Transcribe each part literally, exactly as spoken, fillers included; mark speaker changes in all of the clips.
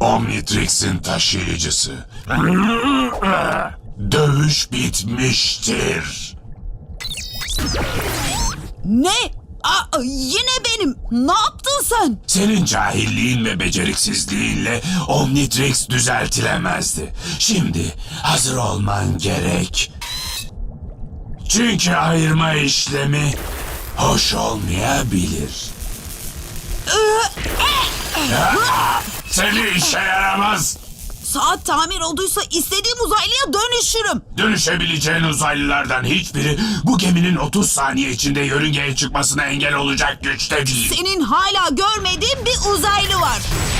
Speaker 1: Omnitrix'in taşıyıcısı. Dövüş bitmiştir.
Speaker 2: Ne? Aa, yine benim. Ne yaptın sen?
Speaker 1: Senin cahilliğin ve beceriksizliğinle Omnitrix düzeltilemezdi. Şimdi hazır olman gerek. Çünkü ayırma işlemi hoş olmayabilir. Seni işe yaramaz.
Speaker 2: Saat tamir olduysa istediğim uzaylıya dönüşürüm.
Speaker 1: Dönüşebileceğin uzaylılardan hiçbiri bu geminin otuz saniye içinde yörüngeye çıkmasına engel olacak güçte değil.
Speaker 2: Senin hala görmediğin bir uzaylı var.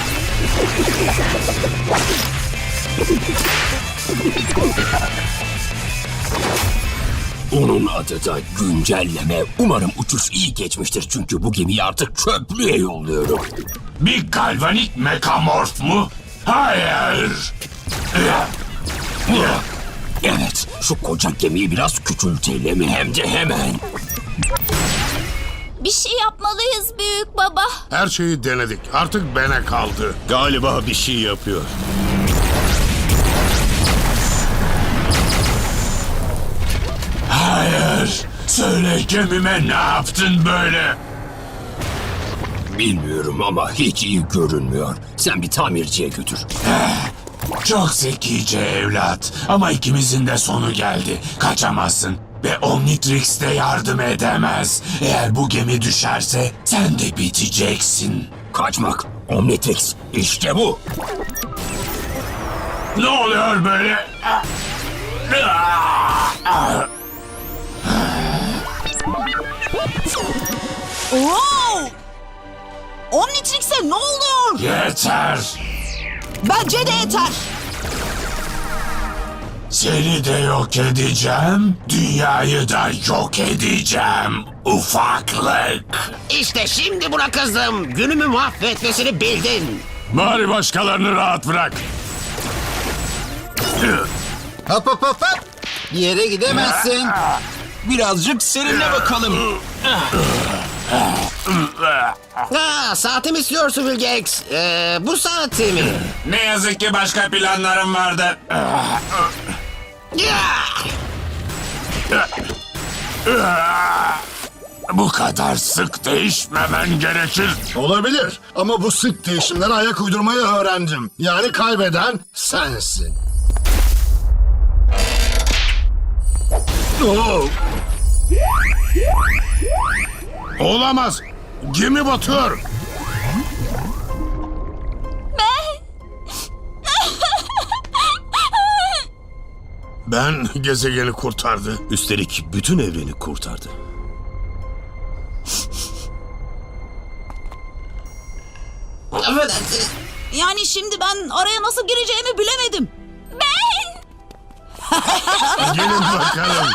Speaker 3: Onun adı da güncelleme. Umarım uçuş iyi geçmiştir çünkü bu gemiyi artık çöplüğe yolluyorum.
Speaker 1: Bir galvanik mekamorf mu? Hayır.
Speaker 3: Evet, şu koca gemiyi biraz küçültelim hem de hemen.
Speaker 4: Bir şey yapmalıyız büyük baba.
Speaker 5: Her şeyi denedik. Artık bana kaldı.
Speaker 6: Galiba bir şey yapıyor.
Speaker 1: Hayır. Söyle gemime ne yaptın böyle?
Speaker 3: Bilmiyorum ama hiç iyi görünmüyor. Sen bir tamirciye götür.
Speaker 1: Çok zekice evlat. Ama ikimizin de sonu geldi. Kaçamazsın. Ve Omnitrix de yardım edemez. Eğer bu gemi düşerse sen de biteceksin.
Speaker 3: Kaçmak, Omnitrix, işte bu.
Speaker 1: Ne oluyor böyle?
Speaker 2: Wow! Omnitrix'e ne oluyor?
Speaker 1: Yeter.
Speaker 2: Bence de yeter.
Speaker 1: Seni de yok edeceğim. Dünyayı da yok edeceğim. Ufaklık.
Speaker 7: İşte şimdi buna kızdım. Günümü mahvetmesini bildin.
Speaker 1: Bari başkalarını rahat bırak.
Speaker 8: Hop hop hop hop. Bir yere gidemezsin.
Speaker 3: Birazcık seninle bakalım.
Speaker 7: Ha, saati mi istiyorsun Vilgex? Ee, bu saati mi?
Speaker 1: Ne yazık ki başka planlarım vardı.
Speaker 7: Ya!
Speaker 1: Bu kadar sık değişmemen gerekir.
Speaker 5: Olabilir ama bu sık değişimlere ayak uydurmayı öğrendim. Yani kaybeden sensin. Oo. Olamaz. Gemi batıyor. Ben gezegeni kurtardı.
Speaker 6: Üstelik bütün evreni kurtardı.
Speaker 7: Affedersiniz.
Speaker 2: Yani şimdi ben araya nasıl gireceğimi bilemedim.
Speaker 5: Gelin bakalım.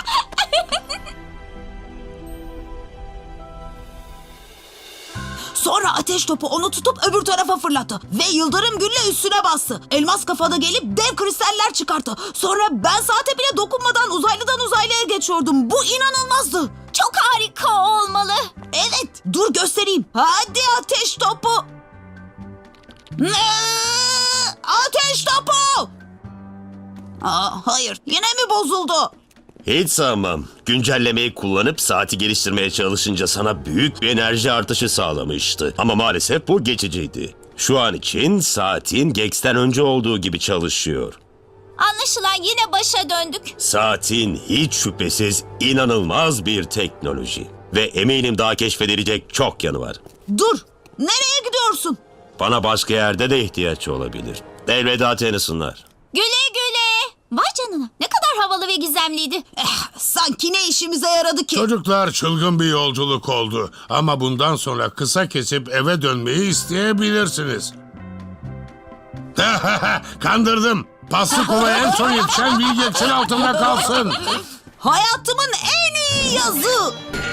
Speaker 2: Sonra ateş topu onu tutup öbür tarafa fırlattı. Ve yıldırım gülle üstüne bastı. Elmas kafada gelip dev kristaller çıkarttı. Sonra ben saate bile dokunmadan uzaylıdan uzaylıya geçiyordum. Bu inanılmazdı.
Speaker 4: Çok harika olmalı.
Speaker 2: Evet, dur göstereyim. Hadi ateş topu. Ne? Ateş topu. Aa, hayır, yine mi bozuldu?
Speaker 6: Hiç sanmam. Güncellemeyi kullanıp saati geliştirmeye çalışınca sana büyük bir enerji artışı sağlamıştı. Ama maalesef bu geçiciydi. Şu an için saatin Gex'ten önce olduğu gibi çalışıyor.
Speaker 4: Anlaşılan yine başa döndük.
Speaker 6: Saatin hiç şüphesiz inanılmaz bir teknoloji. Ve eminim daha keşfedilecek çok yanı var.
Speaker 2: Dur, nereye gidiyorsun?
Speaker 6: Bana başka yerde de ihtiyaç olabilir. Elveda Tennyson'lar.
Speaker 4: Güle güle. Vay canına, ne kadar havalı ve gizemliydi.
Speaker 2: Eh, sanki ne işimize yaradı ki?
Speaker 5: Çocuklar, çılgın bir yolculuk oldu. Ama bundan sonra kısa kesip eve dönmeyi isteyebilirsiniz. Kandırdım. Paslı kolaya en son yetişen Vilgex'in altında kalsın.
Speaker 2: Hayatımın en iyi yazı.